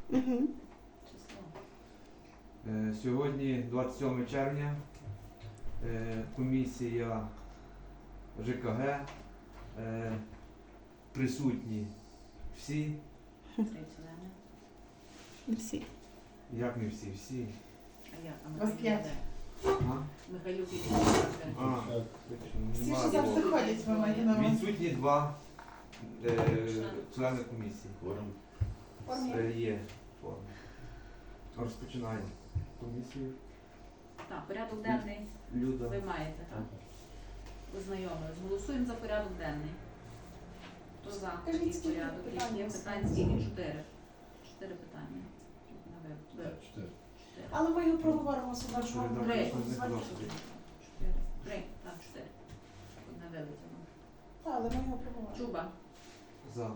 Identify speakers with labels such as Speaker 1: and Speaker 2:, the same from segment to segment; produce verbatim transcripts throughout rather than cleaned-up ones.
Speaker 1: Угу.
Speaker 2: Число.
Speaker 3: Е, Сьогодні, двадцять сьоме червня, е, комісія ЖКГ, е, присутні всі,
Speaker 2: Три члени.
Speaker 1: Всі.
Speaker 3: як не всі, всі.
Speaker 2: А я, а
Speaker 4: Вас
Speaker 2: Михайлюк
Speaker 4: п'ять.
Speaker 2: де?
Speaker 3: А?
Speaker 2: Михайлюк і
Speaker 3: А,
Speaker 4: Всі,
Speaker 3: нема
Speaker 4: що завжди
Speaker 3: двох.
Speaker 4: ходять, ви маєте на увазі.
Speaker 3: Відсутні два е, члени комісії. Е, Є форма. Розпочинаємо комісію.
Speaker 2: Так, порядок денний
Speaker 3: Люда.
Speaker 2: ви маєте, так? Ознайомились. Голосуємо за порядок денний. Хто за
Speaker 4: Кажіть,
Speaker 2: такий
Speaker 4: скільки
Speaker 2: порядок?
Speaker 4: питань
Speaker 2: Є
Speaker 4: у вас?
Speaker 2: питань скільки? Чотири. Чотири питання. На ви- ви- Чотири.
Speaker 4: Але ми його проговоримо сюди, що вам
Speaker 3: Чотири,
Speaker 2: Три.
Speaker 3: так, не
Speaker 4: звати.
Speaker 3: просто.
Speaker 2: Чотири. Три. Так, чотири. Одне вилетіло.
Speaker 4: Так, але ми його проговоримо.
Speaker 2: Чуба.
Speaker 3: За.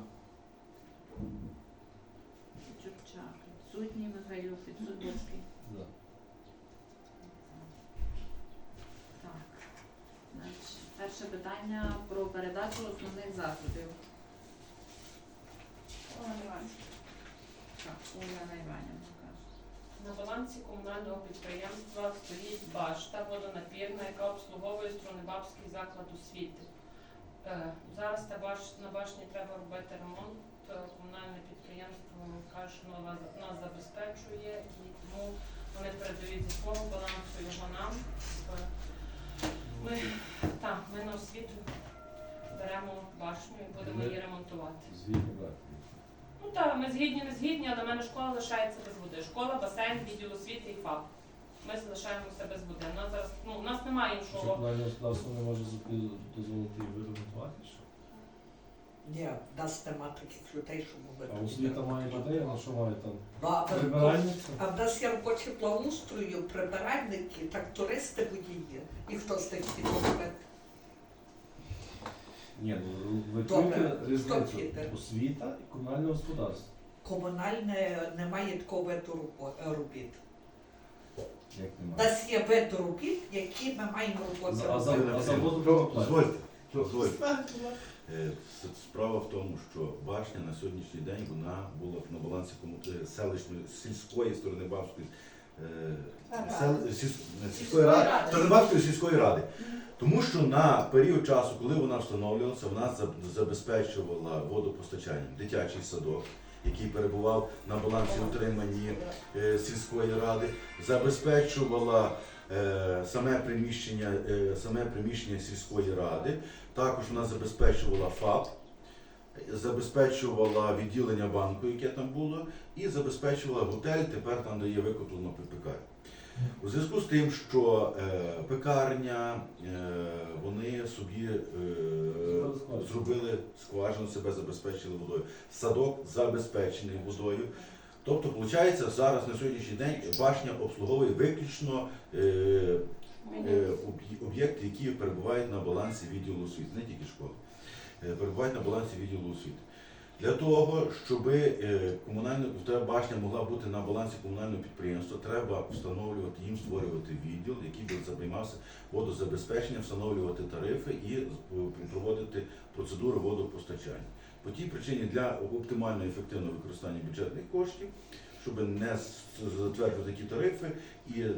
Speaker 2: Чурчак. Відсутній. Михайлюк. Підсудницький. Так. Значить, перше питання про передачу основних засобів.
Speaker 4: Олена Іванівна.
Speaker 2: Так, Олена Іванівна каже.
Speaker 5: На балансі комунального підприємства стоїть башта водонапірна, яка обслуговує Струнебабський заклад освіти. Е, Зараз та баш, на башні треба робити ремонт. Е, Комунальне підприємство каже, що нас, нас забезпечує, і тому вони передають зі свого балансу його нам. Е, Ми, так, ми на освіту беремо башню і будемо її ремонтувати.
Speaker 6: Звідки брати?
Speaker 5: Ну так, ми згідні, не згідні, але в мене школа лишається без води. Школа, басейн, відділ освіти і ФАП. Ми залишаємося без води. У нас зараз, ну, у нас немає
Speaker 6: Що
Speaker 5: іншого.
Speaker 6: комунальне господарство не може зупи- дозволити її виремонтувати? Що?
Speaker 7: Ні, в нас нема таких людей, щоб
Speaker 6: А
Speaker 7: робити.
Speaker 6: освіта має людей, а на що має там?
Speaker 7: Ну, а, в-
Speaker 6: Прибиральниця?
Speaker 7: а в нас є робочі благоустрою, прибиральники, так туристи водії. І хто з тих підробить?
Speaker 6: Ні, ну ви
Speaker 7: Добре.
Speaker 6: чуєте
Speaker 7: Хто
Speaker 6: різницю?
Speaker 7: піде?
Speaker 6: Освіта і комунальне господарство.
Speaker 7: Комунальне немає такого виду робо- робіт.
Speaker 6: Як
Speaker 7: У
Speaker 6: немає?
Speaker 7: нас є вид робіт, які ми маємо роботи
Speaker 6: А за,
Speaker 7: робити.
Speaker 6: а за воду не платять.
Speaker 8: Дозвольте, дозвольте.
Speaker 4: Так,
Speaker 8: Е, с- Справа в тому, що башня на сьогоднішній день вона була на балансі кому- е, селищної сільської Сторнебабської е,
Speaker 4: Ради.
Speaker 8: сел- сільс- не, сільської
Speaker 5: Сільської
Speaker 8: ради,
Speaker 5: ради.
Speaker 8: Сторнебабської сільської ради. Тому що на період часу, коли вона встановлювалася, вона заб- забезпечувала водопостачанням дитячий садок, який перебував на балансі утриманні е, сільської ради, забезпечувала е, саме приміщення, е, саме приміщення сільської ради. Також вона забезпечувала ФАП, забезпечувала відділення банку, яке там було, і забезпечувала готель, тепер там, де є викуплено ППК. У зв'язку з тим, що е, пекарня, е, вони собі е,
Speaker 6: Зробили скважину.
Speaker 8: зробили скважину, себе забезпечили водою. Садок забезпечений водою. Тобто, виходить, зараз на сьогоднішній день башня обслуговує виключно е, е, об'є- об'єкти, які перебувають на балансі відділу освіти, не тільки школи, е, перебувають на балансі відділу освіти. Для того, щоб комунальна та башня могла бути на балансі комунального підприємства, треба встановлювати їм, створювати відділ, який би займався водозабезпеченням, встановлювати тарифи і е, проводити процедуру водопостачання. По тій причині для оптимального і ефективного використання бюджетних коштів, щоб не с- затверджувати такі тарифи і е,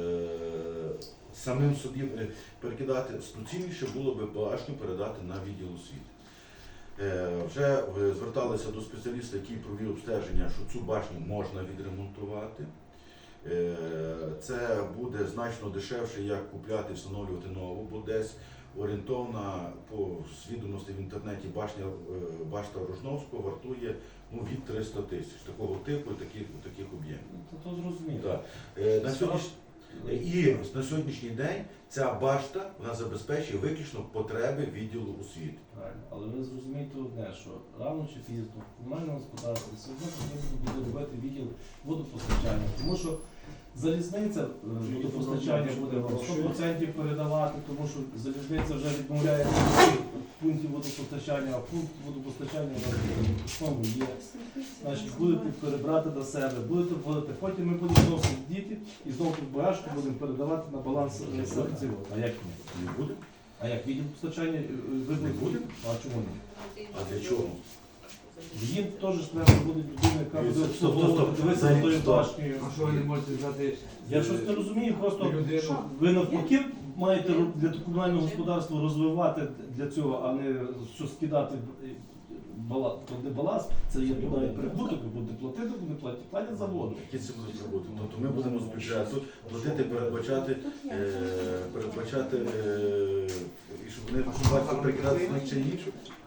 Speaker 8: самим собі е, перекидати, доцільніше було би башню передати на відділ освіти. Е, Вже е, зверталися до спеціаліста, який провів обстеження, що цю башню можна відремонтувати. Е, Це буде значно дешевше, як купляти і встановлювати нову, бо десь орієнтовна по відомостей в інтернеті башня, е, башта Рожновського вартує ну, від триста тисяч такого типу і таких, таких об'ємів.
Speaker 6: Ну, то, то зрозуміло.
Speaker 8: Так. Е, На сьогодніш... І на сьогоднішній день ця башта вона забезпечує виключно потреби відділу освіти.
Speaker 6: Правильно. Але ви зрозумієте одне, що рано чи пізно в комунальному господарстві все одно потрібно буде робити відділ водопостачання, тому що залізниця е, водопостачання буде вам сто відсотків передавати, тому що залізниця вже відмовляється від пунктів водопостачання, а пункт водопостачання в основному є. Значить, будете перебрати до себе, будете вводити, потім ми будемо знову сидіти і знову тут багажку будемо передавати на баланс е, серців. А як ні?
Speaker 8: Не буде?
Speaker 6: А як відділ постачання е, ви
Speaker 8: Не буде?
Speaker 6: А чому ні?
Speaker 8: А для чого?
Speaker 6: Їм теж ж треба буде людина, яка буде
Speaker 8: Стоп, стоп,
Speaker 6: обслуговувати,
Speaker 8: стоп.
Speaker 6: дивитися
Speaker 8: Взагалі,
Speaker 6: за тою
Speaker 8: стоп.
Speaker 6: башнею.
Speaker 3: А що ви не можете взяти
Speaker 6: Я щось не розумію, просто
Speaker 3: людину?
Speaker 6: ви навпаки маєте ру- для комунального господарства розвивати для цього, а не що скидати бала, туди баласт, це є туди прибуток, ви будете платити, буде платити, платять за воду.
Speaker 8: Які це будуть роботи? Тобто ми будемо з бюджету платити, передбачати, е, передбачати, е, і щоб вони бачили прикидати на чи ні.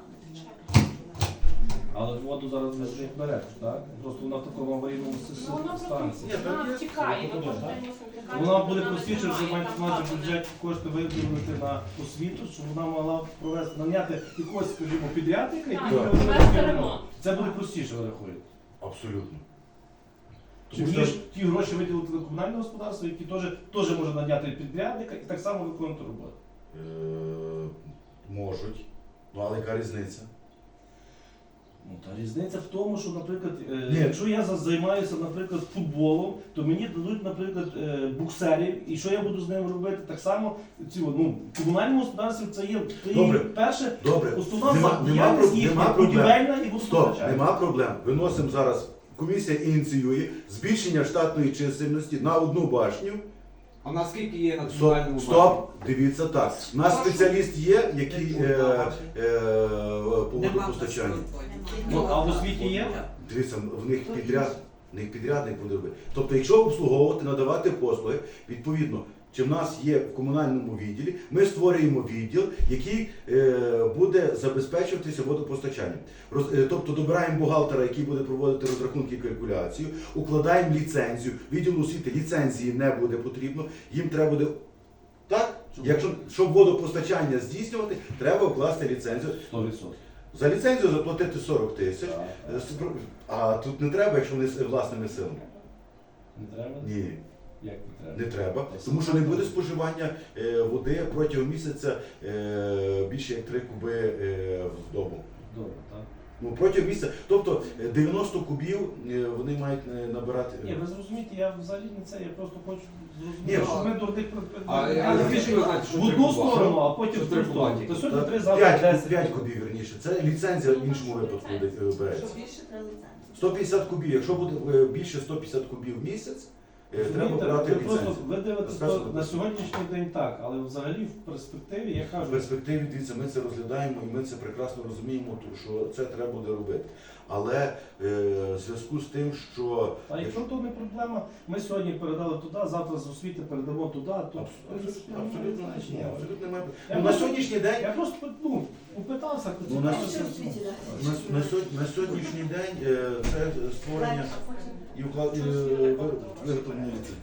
Speaker 6: Але воду зараз ви ж не берете, так? Просто вона в такому аварійному
Speaker 5: Ну, вона просто
Speaker 6: станції.
Speaker 5: вона втікає, ми
Speaker 6: Так.
Speaker 5: кожен день мусимо втікати.
Speaker 6: Вона буде
Speaker 5: вона не
Speaker 6: простіше, що
Speaker 5: тримає,
Speaker 6: маєте
Speaker 5: там
Speaker 6: мати
Speaker 5: багато
Speaker 6: бюджет кошти виділити на освіту, щоб вона могла провести, наняти якогось, скажімо, підрядника, який
Speaker 5: Так,
Speaker 6: буде
Speaker 5: провести
Speaker 6: робити
Speaker 5: ремонт.
Speaker 6: ремонт. Це буде простіше, ви рахуєте.
Speaker 8: Абсолютно.
Speaker 6: Чим
Speaker 8: Тому
Speaker 6: ніж
Speaker 8: що-
Speaker 6: ті гроші виділити на комунальне господарство, які теж, теж може наняти підрядника і так само виконувати роботу.
Speaker 8: Е, можуть. Ну, але яка різниця?
Speaker 6: Ну, та різниця в тому, що, наприклад, е,
Speaker 8: Ні.
Speaker 6: якщо я за- займаюся, наприклад, футболом, то мені дадуть, наприклад, е, буксерів, і що я буду з ними робити? Так само ці, ну, в комунальному господарстві це є, це є
Speaker 8: Добре.
Speaker 6: перше,
Speaker 8: Добре.
Speaker 6: основна
Speaker 8: Нема,
Speaker 6: за-
Speaker 8: нема,
Speaker 6: діяльність
Speaker 8: проб-
Speaker 6: їхня,
Speaker 8: нема проблем.
Speaker 6: будівельна і
Speaker 8: Стоп,
Speaker 6: водопостачальна.
Speaker 8: нема проблем. Виносимо зараз. Комісія ініціює збільшення штатної чисельності на одну башню.
Speaker 3: А наскільки є на
Speaker 8: Стоп,
Speaker 3: комунальному
Speaker 8: стоп, дивіться так. У нас спеціаліст є, який е, е, по
Speaker 7: Нема
Speaker 8: водопостачанню.
Speaker 6: Ну, а в освіті є?
Speaker 8: Дивіться, в них підряд, в них підрядник буде робити. Тобто, якщо обслуговувати, надавати послуги, відповідно, чи в нас є в комунальному відділі, ми створюємо відділ, який е, буде забезпечуватися водопостачанням. Роз, е, тобто добираємо бухгалтера, який буде проводити розрахунки і калькуляцію, укладаємо ліцензію. Відділу освіти ліцензії не буде потрібно, їм треба буде. Так? Якщо щоб водопостачання здійснювати, треба укласти ліцензію.
Speaker 6: сто відсотків.
Speaker 8: За ліцензію заплатити сорок тисяч.
Speaker 6: Так.
Speaker 8: Е, спро- А тут не треба, якщо вони з власними силами.
Speaker 6: Не треба?
Speaker 8: Ні,
Speaker 6: Як не треба?
Speaker 8: не треба. Тому що не буде споживання е, води протягом місяця е, більше як три куби е, в добу.
Speaker 6: Добре, так.
Speaker 8: Ну, протягом місяця. Тобто е, дев'яносто кубів е, вони мають е, набирати.
Speaker 6: Ні, ви зрозумієте, я взагалі не це, я просто хочу
Speaker 8: Ні,
Speaker 6: зрозуміти, що
Speaker 8: а-
Speaker 6: ми дурних
Speaker 3: А, а
Speaker 6: Але
Speaker 3: звідки ви знаєте, що
Speaker 6: в
Speaker 3: три
Speaker 6: одну
Speaker 3: куба?
Speaker 6: сторону, а потім
Speaker 3: Що
Speaker 6: в
Speaker 3: три
Speaker 6: ту
Speaker 3: куба
Speaker 6: сторону.
Speaker 3: тільки?
Speaker 6: То сьогодні три, завтра
Speaker 8: п'ять,
Speaker 6: десять.
Speaker 8: п'ять кубів вірніше. Це ліцензія в іншому випадку буде, е, береться.
Speaker 4: більше треба ліцензію.
Speaker 8: сто п'ятдесят кубів. Якщо буде е, більше сто п'ятдесят кубів в місяць, е, треба
Speaker 6: Розумієте,
Speaker 8: брати
Speaker 6: ви просто
Speaker 8: ліцензію.
Speaker 6: ви дивитесь
Speaker 8: Розказуйте.
Speaker 6: то на сьогоднішній день так, але взагалі в перспективі я
Speaker 8: В
Speaker 6: кажу,
Speaker 8: перспективі, дивіться, ми це розглядаємо і ми це прекрасно розуміємо, то- що це треба буде робити. Але е, в зв'язку з тим, що
Speaker 6: а якщо то не проблема, ми сьогодні передали туди, завтра з освіти передамо туди, то
Speaker 8: абсолютно, абсолютно, ні, абсолютно немає.
Speaker 6: Я
Speaker 8: Ну, на
Speaker 6: просто-
Speaker 8: сьогоднішній день,
Speaker 6: Я просто ну, попитався,
Speaker 8: Ну, на-
Speaker 6: поцікавився.
Speaker 8: на, на, сьогодні- на сьогоднішній день е, це створення і уклад і, е, ви- виготовлення ліцензії.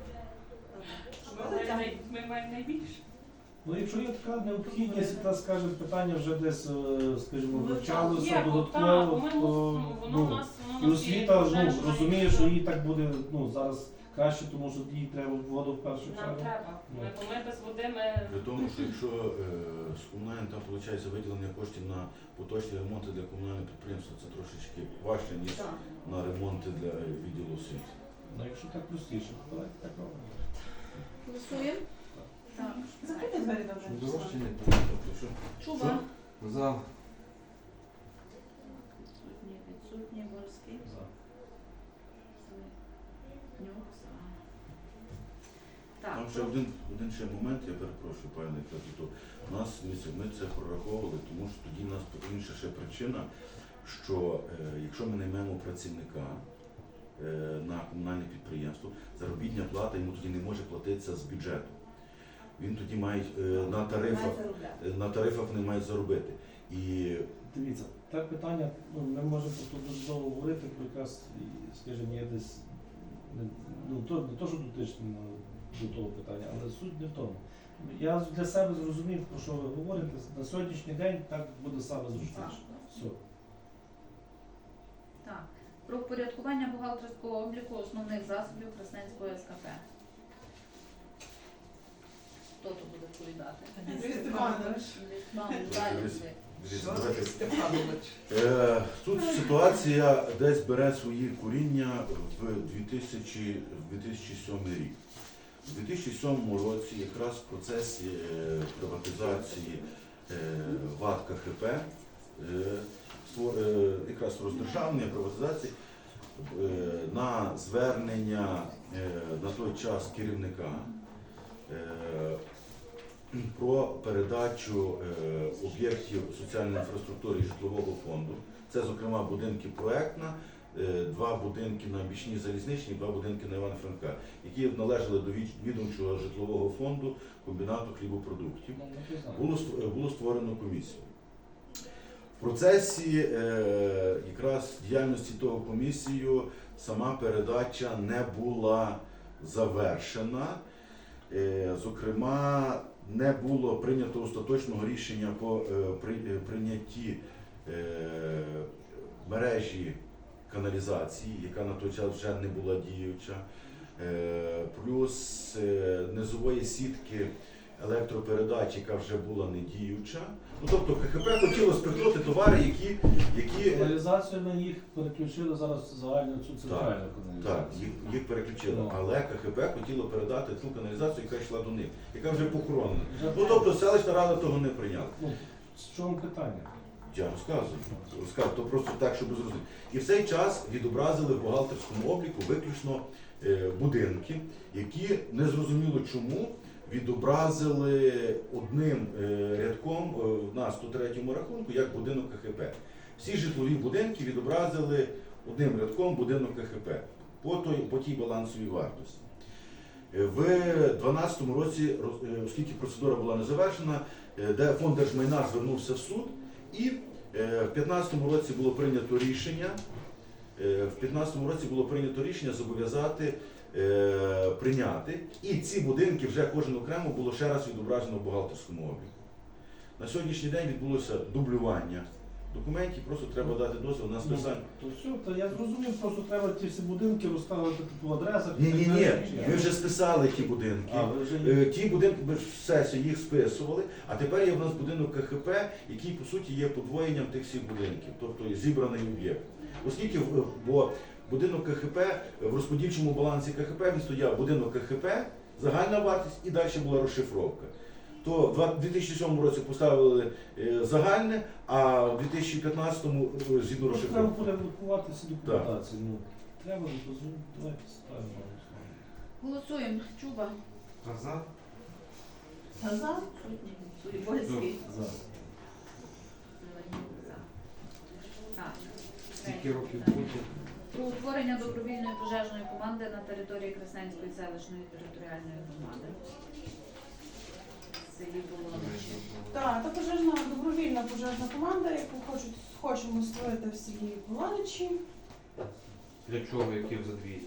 Speaker 5: Ми най- Ми маємо найбільше.
Speaker 6: Ну, якщо є така необхідність, та скажімо, питання вже десь, е, скажімо,
Speaker 5: Є,
Speaker 6: вивчалося
Speaker 5: бо так,
Speaker 6: додатково,
Speaker 5: ми
Speaker 6: то
Speaker 5: мусимо, воно
Speaker 6: ну,
Speaker 5: в нас, воно
Speaker 6: і
Speaker 5: в нас є
Speaker 6: освіта
Speaker 5: вже,
Speaker 6: ну,
Speaker 5: що
Speaker 6: розуміє,
Speaker 5: ми-
Speaker 6: що їй так буде ну, зараз краще, тому що їй треба воду в першу
Speaker 5: Нам
Speaker 6: чергу.
Speaker 5: треба. Ми, бо ми без води ми
Speaker 8: При тому, що якщо е, з комунальним там виходить виділення коштів на поточні ремонти для комунальних підприємств, це трошечки важче, ніж на ремонти для е, відділу освіти.
Speaker 6: Ну, якщо так простіше, то давайте так робимо.
Speaker 2: Голосуємо? Так.
Speaker 4: Закрийте двері добре.
Speaker 3: Щоб дорожче не
Speaker 8: Тобто, що
Speaker 2: Чуба.
Speaker 3: За.
Speaker 2: Відсутні, відсутні, Борський.
Speaker 6: За.
Speaker 2: Нюк, за. Так,
Speaker 8: Там ще один, один ще момент, я перепрошую, пане Катюто. У нас дивіться, ми це прораховували, тому що тоді у нас інша ще причина, що е, якщо ми наймемо працівника е, на комунальне підприємство, заробітня плата йому тоді не може платитися з бюджету. Він тоді має е, на тарифах, е, на тарифах не має заробити. І
Speaker 6: Дивіться, так питання, ну, ми можемо тут дуже довго говорити, про якраз, і, скажімо, є десь, не, ну, то, не то, що дотичне до того питання, але суть не в тому. Я для себе зрозумів, про що ви говорите, на сьогоднішній день так буде саме зручніше. Все.
Speaker 2: так. Про впорядкування бухгалтерського обліку основних засобів Красненського СКП. Хто тут буде відповідати?
Speaker 4: Андрій Степанович.
Speaker 2: Мам, далі.
Speaker 8: дивіться, давайте.
Speaker 7: Степанович.
Speaker 8: Е, Тут ситуація десь бере свої коріння в дві тисячі, в дві тисячі сьомий рік. У дві тисячі сьомому році якраз в процесі е, приватизації е, ВАТ КХП е, створ- е, якраз роздержавлення, приватизації, е, на звернення е, на той час керівника е, про передачу е, об'єктів соціальної інфраструктури і житлового фонду. Це, зокрема, будинки проектна, е, два будинки на Бічній Залізничній, два будинки на Івана Франка, які належали до від- відомчого житлового фонду комбінату хлібопродуктів.
Speaker 6: Ну, не знаю.
Speaker 8: Було ст- було створено комісію. В процесі е, якраз діяльності того комісію сама передача не була завершена. Е, зокрема, не було прийнято остаточного рішення по е, при, е, прийнятті е, мережі каналізації, яка на той час вже не була діюча, е, плюс е, низової сітки електропередач, яка вже була не діюча. Ну, тобто КХП хотіло спихнути товари, які, які е,
Speaker 6: Каналізацію на їх переключили зараз загальну цю центральну
Speaker 8: так,
Speaker 6: каналізацію.
Speaker 8: їх, їх переключили,
Speaker 6: Ну.
Speaker 8: але КХП хотіло передати ту каналізацію, яка йшла до них, яка вже похоронена.
Speaker 6: Вже
Speaker 8: Ну тобто селищна рада того не прийняла.
Speaker 6: Ну, в чому питання?
Speaker 8: Я розказую, розказую, то просто так, щоб зрозуміти. І в цей час відобразили в бухгалтерському обліку виключно е, будинки, які незрозуміло чому відобразили одним е, рядком е, на сто третьому рахунку як будинок КХП. Всі житлові будинки відобразили одним рядком будинок КХП по, той, по тій балансовій вартості. Е, В дві тисячі дванадцятому році, роз- е, оскільки процедура була не завершена, е, де фонд держмайна звернувся в суд, і е, в дві тисячі п'ятнадцятому році було прийнято рішення. е, В дві тисячі п'ятнадцятому році було прийнято рішення зобов'язати е, прийняти, і ці будинки вже кожен окремо було ще раз відображено в бухгалтерському обліку. На сьогоднішній день відбулося дублювання документів, просто треба дати дозвіл на
Speaker 6: Ну,
Speaker 8: списання.
Speaker 6: то все, то я зрозумів, просто треба ті всі будинки розставити по адресах.
Speaker 8: Ні, ні, ні,
Speaker 6: Чи
Speaker 8: ми вже списали ті будинки.
Speaker 6: А, ви вже
Speaker 8: Е, Ті будинки ми в сесії їх списували, а тепер є в нас будинок КХП, який по суті є подвоєнням тих всіх будинків, тобто зібраний об'єкт. Оскільки в- бо будинок КХП в розподільчому балансі КХП він стояв будинок КХП, загальна вартість і далі була розшифровка. То в дві тисячі сьомому році поставили е, загальне, а в дві тисячі п'ятнадцятому е, згідно
Speaker 6: Просто треба
Speaker 8: розшифровки.
Speaker 6: порядкувати всі документації. Ну, треба дозволити, давайте ставимо на голосування.
Speaker 2: Голосуємо. Чуба,
Speaker 3: Назад?
Speaker 4: За.
Speaker 2: Суєбольський.
Speaker 6: За.
Speaker 2: Зеленюк за. Так.
Speaker 3: Скільки років
Speaker 2: Третє.
Speaker 3: буде?
Speaker 2: Про утворення добровільної пожежної команди на території Красненської селищної територіальної громади. В селі Болоничі.
Speaker 4: Так, та пожежна добровільна пожежна команда, яку хочуть, хочемо створити в селі Полоничі.
Speaker 3: Для чого, який задвій?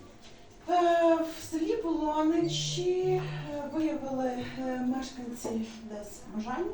Speaker 4: Е, В селі Полоничі е, виявили е, мешканці десь бажання.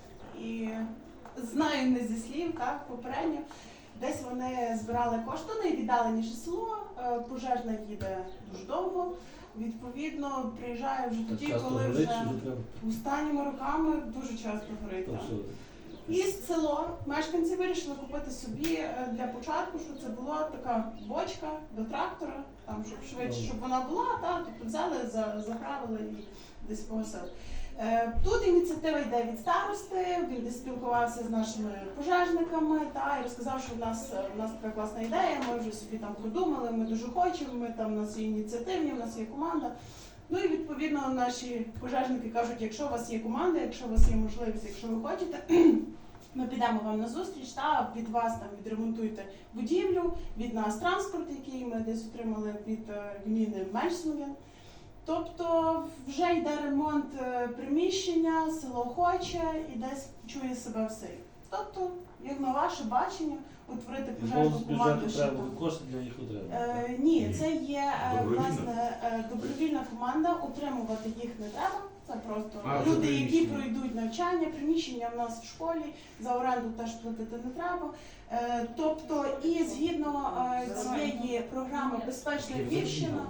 Speaker 4: І знаю не зі слів, так, попередньо. Десь вони збирали кошти, найвіддаленіше село, е, пожежна їде дуже довго. Відповідно, приїжджає вже
Speaker 6: Так
Speaker 4: тоді,
Speaker 6: часто
Speaker 4: коли
Speaker 6: горить,
Speaker 4: вже
Speaker 6: що вже треба.
Speaker 4: останніми роками дуже часто горить.
Speaker 6: То
Speaker 4: так.
Speaker 6: все.
Speaker 4: І село мешканці вирішили купити собі е, для початку, що це була така бочка до трактора, там щоб швидше, щоб вона була, та тобто взяли, за- заправили і десь погасили. Е, Тут ініціатива йде від старости, він десь спілкувався з нашими пожежниками та і розказав, що в нас е, в нас така класна ідея, ми вже собі там продумали, ми дуже хочемо, ми там у нас є ініціативні, у нас є команда. Ну і відповідно наші пожежники кажуть, якщо у вас є команда, якщо у вас є можливість, якщо ви хочете, ми підемо вам на зустріч, та від вас там відремонтуйте будівлю, від нас транспорт, який ми десь отримали від е, гміни Мельсмов'ян. Тобто вже йде ремонт е, приміщення, село хоче і десь чує себе в селі. Тобто, як на ваше бачення, утворити
Speaker 6: Бо
Speaker 4: пожежну
Speaker 6: з
Speaker 4: команду
Speaker 6: бюджету
Speaker 4: ще
Speaker 6: треба
Speaker 4: там.
Speaker 6: буде кошти для їх отримати.
Speaker 4: Е, ні, це є е,
Speaker 8: Добровільна?
Speaker 4: власне е, добровільна команда, утримувати їх не треба. Це просто
Speaker 3: А, вже
Speaker 4: люди, які
Speaker 3: приміщення.
Speaker 4: пройдуть навчання, приміщення в нас в школі, за оренду теж платити не треба. Е, тобто, і згідно е, цієї програми Безпечна Львівщина,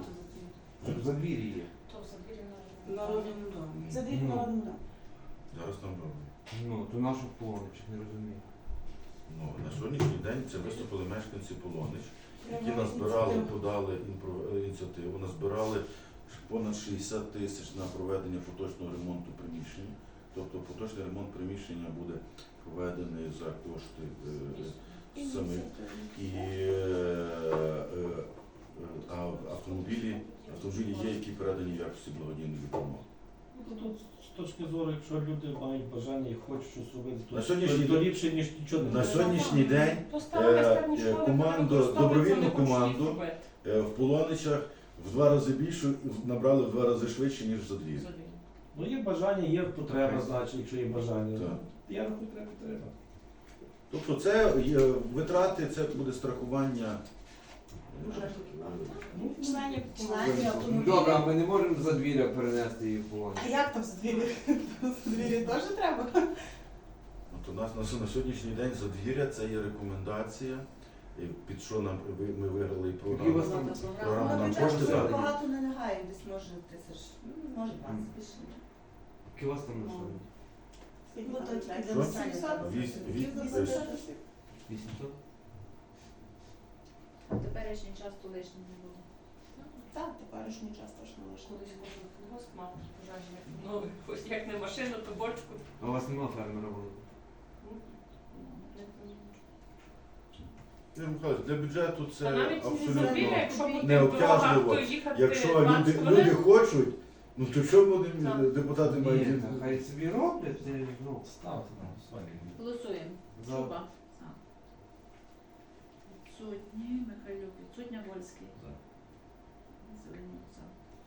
Speaker 3: В задвір'ї є.
Speaker 5: То в забірі
Speaker 7: Народному домі.
Speaker 4: за дві
Speaker 3: Ну.
Speaker 4: народу.
Speaker 8: Зараз там робимо.
Speaker 3: Ну, то нашу Полонич, не розумію.
Speaker 8: Ну, на сьогоднішній день це виступили мешканці Полонич, які
Speaker 4: Прямо
Speaker 8: назбирали,
Speaker 4: ініціатива.
Speaker 8: подали інпро- ініціативу, назбирали понад шістдесят тисяч на проведення поточного ремонту приміщення. Тобто поточний ремонт приміщення буде проведений за кошти е, самих. І е, е, е, а автомобілі, автомобілі є, які передані в якості благодійної допомоги.
Speaker 6: Ну, Тут з точки зору, якщо люди мають бажання і хочуть щось робити, то,
Speaker 8: На сьогоднішній
Speaker 6: то
Speaker 8: день-
Speaker 6: ліпше, ніж нічого не
Speaker 8: На
Speaker 6: робити.
Speaker 8: сьогоднішній день
Speaker 5: То стара майстерня
Speaker 8: е,
Speaker 5: школи,
Speaker 8: команду,
Speaker 5: яка використовується,
Speaker 8: добровільну
Speaker 5: вони хочуть їх
Speaker 8: команду
Speaker 5: зробити.
Speaker 8: е, в Полоничах в два рази більше набрали в два рази швидше, ніж за дві.
Speaker 5: Задвійно.
Speaker 6: Ну є бажання, є потреба, значить, якщо є бажання.
Speaker 8: Так.
Speaker 6: Я рахую, треба підтримати.
Speaker 8: Тобто це є витрати, це буде страхування. е,
Speaker 6: Ну,
Speaker 4: Членів, членів автомобілів.
Speaker 3: Добре, а ми не можемо за двір'я перенести її в полон.
Speaker 4: А як там з двір'я? З двір'я теж треба?
Speaker 8: От у нас на, на сьогоднішній день задвір'я це є рекомендація, і під що нам ви- ми виграли і
Speaker 3: Які у
Speaker 8: програму.
Speaker 3: вас там
Speaker 8: Програма
Speaker 9: На
Speaker 8: нам
Speaker 9: бюджет
Speaker 8: кошти
Speaker 9: дуже
Speaker 8: дали.
Speaker 9: багато не лягає, десь може тисяч, ну, може двадцять більше.
Speaker 3: Які у вас там населення?
Speaker 9: Ну, то тільки
Speaker 8: Що?
Speaker 9: для населення.
Speaker 8: Вісь- вісь-
Speaker 9: Вісь-
Speaker 3: вісімсот?
Speaker 2: А теперішній час то лишнім не буде.
Speaker 4: Так, теперішній час точно лише.
Speaker 5: Колись кожен колгосп мав пожежник. Ну, ось як не машину, то бочку.
Speaker 3: А у вас нема фермера великого?
Speaker 5: Ну,
Speaker 8: Юрій Михайлович, для бюджету це
Speaker 5: Та навіть не
Speaker 8: абсолютно
Speaker 5: зробили, якщо буде
Speaker 8: не
Speaker 5: дорога,
Speaker 8: обтяжливо.
Speaker 5: то їхати
Speaker 8: Якщо
Speaker 5: двадцять
Speaker 8: люди,
Speaker 5: хвилин.
Speaker 8: люди хочуть, ну то що вони
Speaker 5: Так.
Speaker 8: депутати мають?
Speaker 3: Ні, та хай собі роблять, це, ну,
Speaker 6: ставте на голосування.
Speaker 2: Голосуємо.
Speaker 3: За.
Speaker 2: Шуба. За. Відсутні. Михайлюк. Відсутня. Вольський.
Speaker 6: За.
Speaker 2: Зеленюк. За.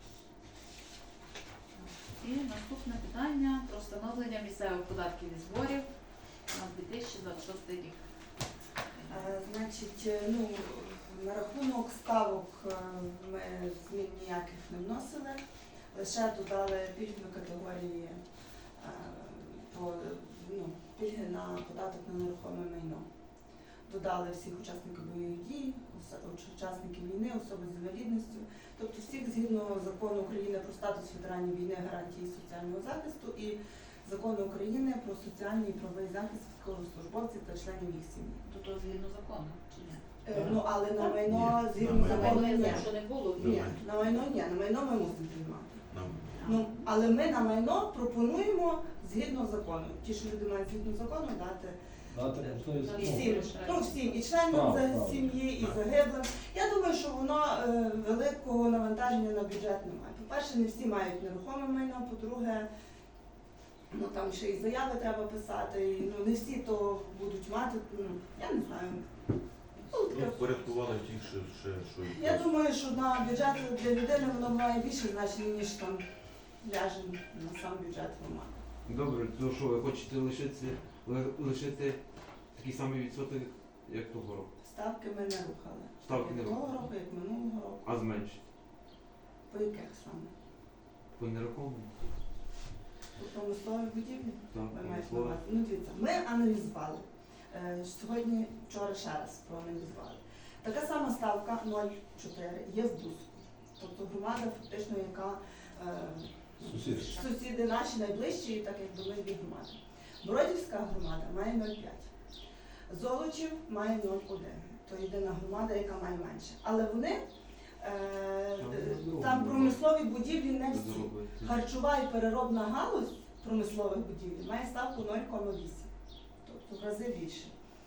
Speaker 2: Так. І наступне питання про встановлення місцевих податків і зборів на дві тисячі двадцять шостий рік.
Speaker 9: Е, Значить, е, ну, на рахунок ставок е, ми змін ніяких не вносили, лише додали пільгові категорії, е, по, ну, пільги на податок на нерухоме майно. Додали всіх учасників бойових дій, ос- учасників війни, особи з інвалідністю, тобто всіх згідно закону України про статус ветеранів війни, гарантії соціального захисту і закону України про соціальний і правовий захист військовослужбовців та членів їх сім'ї.
Speaker 2: То то згідно закону, чи ні?
Speaker 9: Е, Ну, але на майно
Speaker 8: Ні,
Speaker 9: згідно
Speaker 8: на
Speaker 2: За
Speaker 8: майно.
Speaker 9: закону
Speaker 2: мене я
Speaker 9: ні.
Speaker 2: знаю, що не було.
Speaker 8: На
Speaker 9: Ні,
Speaker 8: майно.
Speaker 9: на майно ні, на майно ми мусимо приймати.
Speaker 8: Нам
Speaker 9: Ну, але ми на майно пропонуємо згідно закону. Ті, що люди мають згідно закону, дати
Speaker 6: Дати можливість.
Speaker 5: Ну,
Speaker 9: всім, ну всім, і членам
Speaker 6: Право,
Speaker 9: за
Speaker 6: право.
Speaker 9: сім'ї, і
Speaker 8: Так.
Speaker 9: загиблим. Я думаю, що воно е, великого навантаження на бюджет немає. По-перше, не всі мають нерухоме майно, по-друге, ну там ще і заяви треба писати, і, ну не всі то будуть мати, ну я не знаю. Ну, таке.
Speaker 8: ну, впорядкували ті, що ще що і
Speaker 9: Я думаю, що на бюджет для людини воно має більше значення, ніж там ляже на сам бюджет громади.
Speaker 3: Добре, то що ви хочете лишити, ли- лишити такий самий відсоток, як того року?
Speaker 9: Ставки ми не рухали.
Speaker 3: Ставки не
Speaker 9: Як того
Speaker 3: рухали.
Speaker 9: року, як минулого року.
Speaker 3: А зменшити?
Speaker 9: По яких саме?
Speaker 3: По нерухомому?
Speaker 9: По промисловій будівлі?
Speaker 3: Так,
Speaker 9: Ви маєте на
Speaker 3: промислове.
Speaker 9: увазі? Ну, дивіться, ми аналізували. Е, Сьогодні, вчора ще раз проаналізували. Така сама ставка нуль цілих чотири є в Бузьку. Тобто громада, фактично, яка е,
Speaker 6: Сусіди.
Speaker 9: сусіди наші найближчі, так якби ми дві громади. Бродівська громада має нуль цілих п'ять. Золочів має нуль цілих один. То єдина громада, яка має менше. Але вони е, там промислові будівлі не всі.
Speaker 3: Зробити.
Speaker 9: Харчова і переробна галузь промислових будівель має ставку нуль цілих вісім, тобто в рази більше.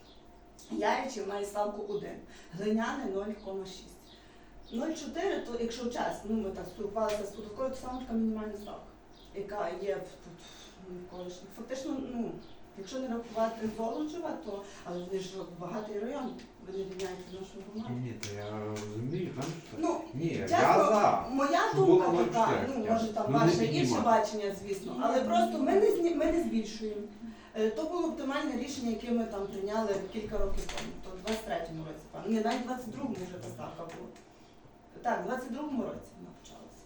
Speaker 9: Яйчів має ставку один, глиняне нуль цілих шість. нуль цілих чотири, то якщо час, ну ми так спілкувалися з податковою, то саме така мінімальна ставка, яка є в, тут в колишніх. Фактично, ну, якщо не рахувати Золочева, то, але вони ж багатий район, ви не рівняєте нашу громаду.
Speaker 3: Ні, то я розумію, там що.
Speaker 9: Ну,
Speaker 3: Ні, я
Speaker 9: чесно,
Speaker 3: за.
Speaker 9: моя
Speaker 3: Щоб
Speaker 9: думка
Speaker 3: було
Speaker 9: така,
Speaker 3: ноль
Speaker 9: ну
Speaker 3: чотири,
Speaker 9: може там
Speaker 3: ну, не
Speaker 9: ваше
Speaker 3: піднімати.
Speaker 9: інше бачення, звісно, але просто ми не зні- ми не збільшуємо. Е, То було оптимальне рішення, яке ми там прийняли кілька років тому, то в двадцять третьому році, певно. Ні, навіть в двадцять другому вже та ставка була. Так, в двадцять другому році вона почалася.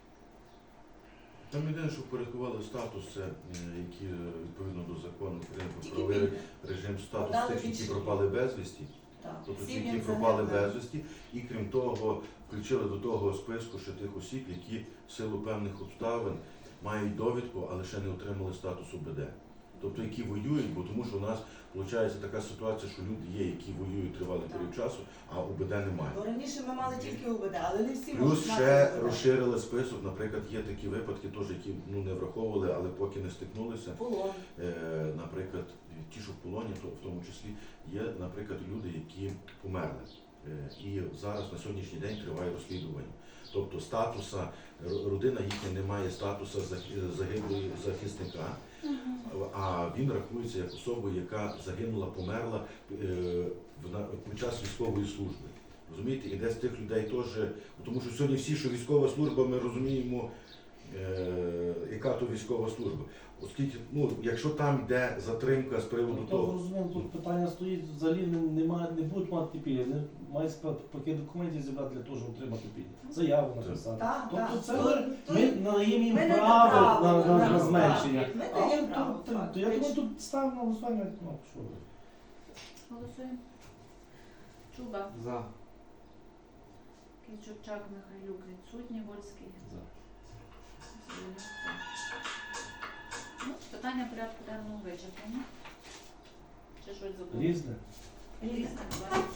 Speaker 8: Там єдине, що впорядкували статус, це е, які е, відповідно до закону України про
Speaker 9: Тільки
Speaker 8: правовий
Speaker 9: пільги.
Speaker 8: режим статус
Speaker 9: Дали
Speaker 8: тих, які
Speaker 9: більше.
Speaker 8: пропали безвісті,
Speaker 9: Так,
Speaker 8: тобто ті,
Speaker 9: сім'ям
Speaker 8: які пропали
Speaker 9: загиблим.
Speaker 8: безвісті, і крім того, включили до того списку ще тих осіб, які в силу певних обставин мають довідку, але ще не отримали статусу БД. Тобто, які воюють, бо тому що у нас виходить така ситуація, що люди є, які воюють тривалий період часу, а УБД немає.
Speaker 9: Ну, раніше ми мали тільки УБД, але не всі
Speaker 8: Плюс
Speaker 9: можуть мати
Speaker 8: ще
Speaker 9: УБД.
Speaker 8: розширили список, наприклад, є такі випадки, теж, які ну, не враховували, але поки не стикнулися.
Speaker 9: Полон.
Speaker 8: Е, наприклад, ті, що в полоні, то в тому числі є, наприклад, люди, які померли. Е, і зараз на сьогоднішній день триває розслідування. Тобто статуса, р- родина їхня не має статусу зах- загиблої захисника, а він рахується як особа, яка загинула, померла е, в на- під час військової служби. Розумієте, і десь тих людей теж, тому що сьогодні всі, що військова служба, ми розуміємо, е, яка то військова служба. Оскільки, ну, якщо там йде затримка з приводу
Speaker 6: Ну, то
Speaker 8: того,
Speaker 6: розуміємо, тут питання стоїть, взагалі не, немає, не будуть мати пільги, не мають спа- пакет документів зібрати для того, щоб отримати пільги. Заяву написати.
Speaker 9: Так,
Speaker 6: Тобто
Speaker 9: так.
Speaker 6: це
Speaker 9: То-
Speaker 6: ми,
Speaker 9: то-
Speaker 6: ми надаємо їм
Speaker 9: ми не
Speaker 6: право
Speaker 9: право
Speaker 6: на, на, на
Speaker 9: на
Speaker 6: зменшення.
Speaker 9: право. Ми
Speaker 6: А
Speaker 9: даємо
Speaker 6: от
Speaker 9: право,
Speaker 6: тут- то я
Speaker 9: фактично.
Speaker 6: думаю, тут ставимо на голосування, ну що ви.
Speaker 2: Голосуємо. Чуба,
Speaker 3: За.
Speaker 2: Кичурчак, Михайлюк відсутні, Вольський.
Speaker 6: За.
Speaker 2: Зеленюк, за. Ну, питання порядку денного вичерпано. Чи щось забули?
Speaker 6: Різне.
Speaker 2: Різне, будь ласка.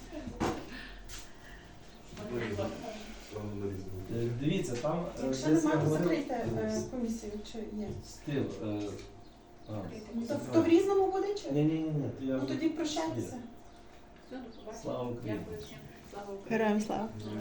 Speaker 8: Слава на різному.
Speaker 6: Е, Дивіться, там е,
Speaker 4: Якщо
Speaker 6: десь
Speaker 4: немає,
Speaker 6: я
Speaker 4: то
Speaker 6: говорив-
Speaker 4: закрийте е, комісію, чи є.
Speaker 6: Стил. е, а.
Speaker 4: То, то в різному буде чи?
Speaker 6: Ні, ні, ні, ні. то я
Speaker 4: Ну
Speaker 6: вже-
Speaker 4: тоді прощайтеся.
Speaker 2: Все, до побачення.
Speaker 6: Слава Україні.
Speaker 2: Дякую всім. Слава Україні.
Speaker 1: Героям слава.